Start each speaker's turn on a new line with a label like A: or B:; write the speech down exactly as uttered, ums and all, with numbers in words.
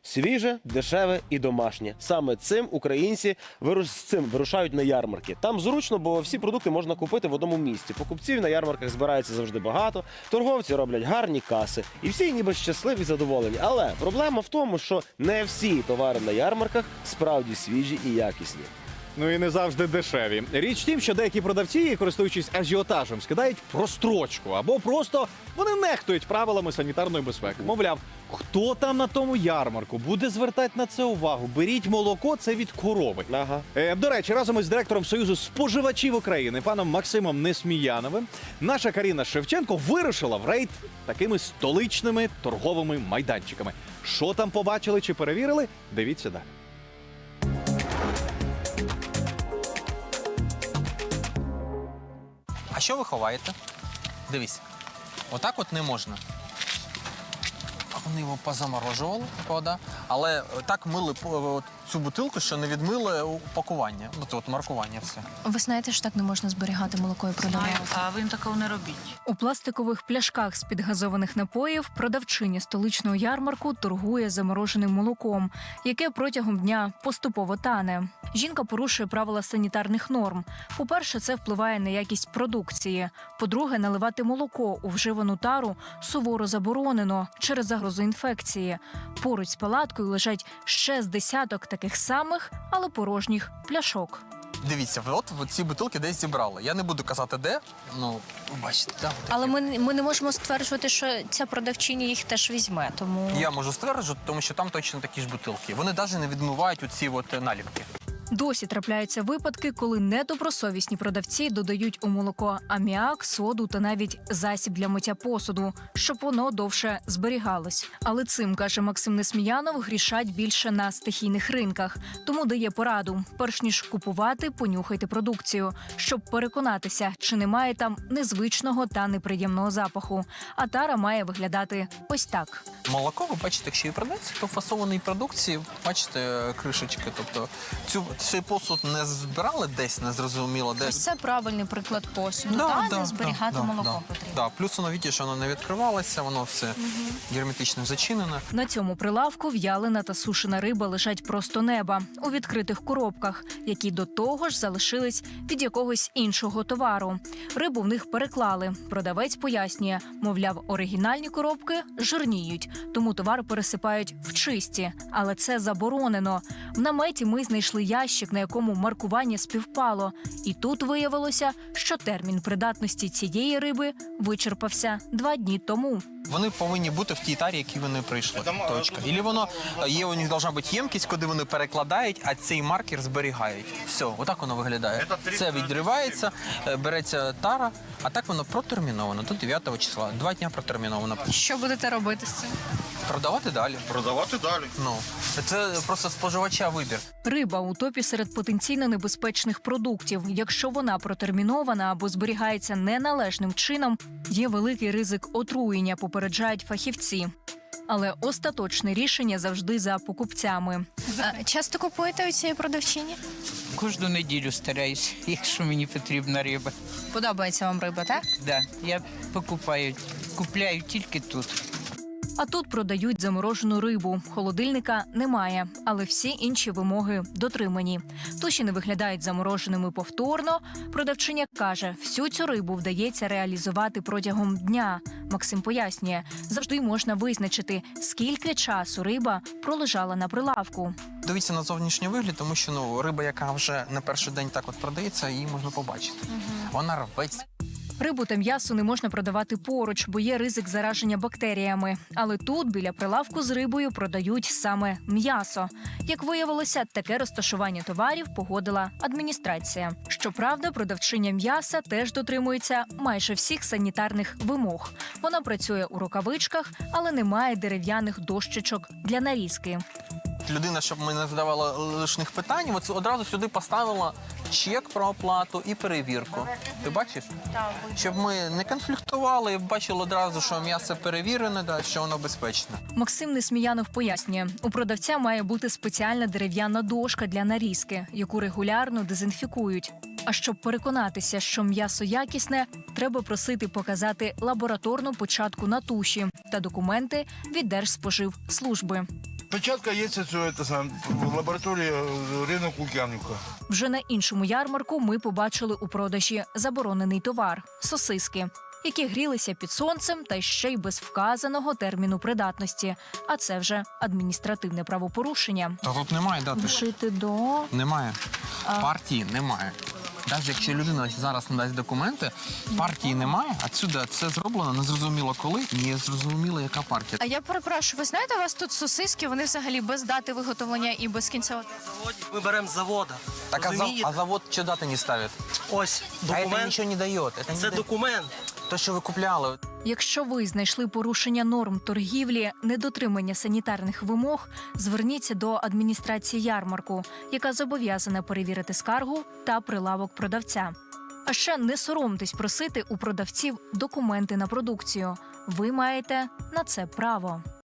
A: свіже, дешеве і домашнє. Саме цим українці вируш... з цим вирушають на ярмарки. Там зручно, бо всі продукти можна купити в одному місці. Покупців на ярмарках збирається завжди багато, торговці роблять гарні каси. І всі ніби щасливі і задоволені. Але проблема в тому, що не всі товари на ярмарках справді свіжі і якісні.
B: Ну і не завжди дешеві. Річ в тім, що деякі продавці, користуючись ажіотажем, скидають прострочку або просто вони нехтують правилами санітарної безпеки. Мовляв, хто там на тому ярмарку буде звертати на це увагу? Беріть молоко, це від корови.
A: Ага.
B: Е, до речі, разом із директором Союзу споживачів України, паном Максимом Несміяновим, наша Каріна Шевченко вирушила в рейд такими столичними торговими майданчиками. Що там побачили чи перевірили? Дивіться далі.
C: А що ви ховаєте? Дивись, отак от не можна. Вони його позаморожували, правда, але так мили по- цю бутилку, що не відмили упакування, от, от маркування все.
D: Ви знаєте, що так не можна зберігати молоко і продавати?
E: А ви такого не робіть.
D: У пластикових пляшках з-під газованих напоїв продавчиня столичного ярмарку торгує замороженим молоком, яке протягом дня поступово тане. Жінка порушує правила санітарних норм. По-перше, це впливає на якість продукції. По-друге, наливати молоко у вживану тару суворо заборонено через загрозу інфекції. Поруч з палаткою лежать ще з десяток таких самих, але порожніх пляшок.
C: Дивіться, ви от, от ці бутилки десь зібрали. Я не буду казати, де, ну, ви бачите, да, отакі.
D: Але ми, ми не можемо стверджувати, що ця продавчиня їх теж візьме, тому...
C: Я можу стверджувати, тому що там точно такі ж бутилки. Вони навіть не відмивають оці от наліпки.
D: Досі трапляються випадки, коли недобросовісні продавці додають у молоко аміак, соду та навіть засіб для миття посуду, щоб воно довше зберігалось. Але цим, каже Максим Несміянов, грішать більше на стихійних ринках. Тому дає пораду. Перш ніж купувати, понюхайте продукцію, щоб переконатися, чи немає там незвичного та неприємного запаху. А тара має виглядати ось так.
C: Молоко, ви бачите, якщо і продається, то в фасованій продукції, бачите, кришечки. Тобто цю, цей посуд не збирали десь, незрозуміло де.
D: Ось це правильний приклад посуду,
C: Да,
D: та,
C: да,
D: де зберігати
C: да,
D: молоко
C: да,
D: потрібно.
C: Да. Плюс воно, бачите, що воно не відкривалося, воно все герметично зачинене.
D: На цьому прилавку в'ялена та сушена риба лежать просто неба у відкритих коробках, які до того ж залишились від якогось іншого товару. Рибу в них переклали. Продавець пояснює, мовляв, оригінальні коробки жирніють, тому товар пересипають в чисті. Але це заборонено. В наметі ми знайшли ящик, на якому маркування співпало. І тут виявилося, що термін придатності цієї риби вичерпався два дні тому.
C: Вони повинні бути в тій тарі, які вони прийшли. Точка. Ілі воно є, у них должна бути ємкість, куди вони перекладають, а цей маркер зберігають. Все, отак воно виглядає. Це відривається, е, береться тара, а так воно протерміновано до дев'ятого числа. Два дня протерміновано.
D: Що будете робити з цим?
C: Продавати далі.
F: Продавати далі.
C: Ну, це просто споживача вибір.
D: Риба у топі серед потенційно небезпечних продуктів. Якщо вона протермінована або зберігається неналежним чином, є великий ризик отруєння, попереджають фахівці. Але остаточне рішення завжди за покупцями. Часто купуєте у цієї продавчині?
E: Кожну неділю стараюсь, якщо мені потрібна риба.
D: Подобається вам риба, так?
E: Да, я покупаю, купляю тільки тут.
D: А тут продають заморожену рибу. Холодильника немає, але всі інші вимоги дотримані. Туші не виглядають замороженими повторно. Продавчиня каже, всю цю рибу вдається реалізувати протягом дня. Максим пояснює, завжди можна визначити, скільки часу риба пролежала на прилавку.
C: Дивіться на зовнішній вигляд, тому що ну, риба, яка вже на перший день так от продається, її можна побачити. Вона рветься.
D: Рибу та м'ясо не можна продавати поруч, бо є ризик зараження бактеріями. Але тут, біля прилавку з рибою, продають саме м'ясо. Як виявилося, таке розташування товарів погодила адміністрація. Щоправда, продавчиня м'яса теж дотримується майже всіх санітарних вимог. Вона працює у рукавичках, але не має дерев'яних дощечок для нарізки.
C: Людина, щоб ми не задавала лишних питань, от одразу сюди поставила чек про оплату і перевірку. Ти бачиш? Щоб ми не конфліктували і бачили одразу, що м'ясо перевірене, да, що воно безпечне.
D: Максим Несміянов пояснює, у продавця має бути спеціальна дерев'яна дошка для нарізки, яку регулярно дезінфікують. А щоб переконатися, що м'ясо якісне, треба просити показати лабораторну початку на туші та документи від Держспоживслужби.
F: Початка є це, це сам, в лабораторії ринок Лук'янівка.
D: Вже на іншому ярмарку ми побачили у продажі заборонений товар – сосиски, які грілися під сонцем та ще й без вказаного терміну придатності. А це вже адміністративне правопорушення.
C: Та тут немає дати.
D: Вшити до...
C: Немає. Партії немає. Навіть якщо людина зараз надасть документи, партії немає, отсюди це зроблено незрозуміло коли, не зрозуміло, яка партія.
G: А я перепрошую, ви знаєте, у вас тут сосиски, вони взагалі без дати виготовлення і без кінцевого.
H: Ми беремо з завода.
C: Так, а, за,
H: Розумієте?
C: а завод що дати не ставить?
H: Ось
C: А це
H: документ.
C: нічого не дає. Це, не
H: Це
C: дає.
H: документ.
C: То, що ви купляли.
D: Якщо ви знайшли порушення норм торгівлі, недотримання санітарних вимог, зверніться до адміністрації ярмарку, яка зобов'язана перевірити скаргу та прилавок продавця. А ще не соромтесь просити у продавців документи на продукцію. Ви маєте на це право.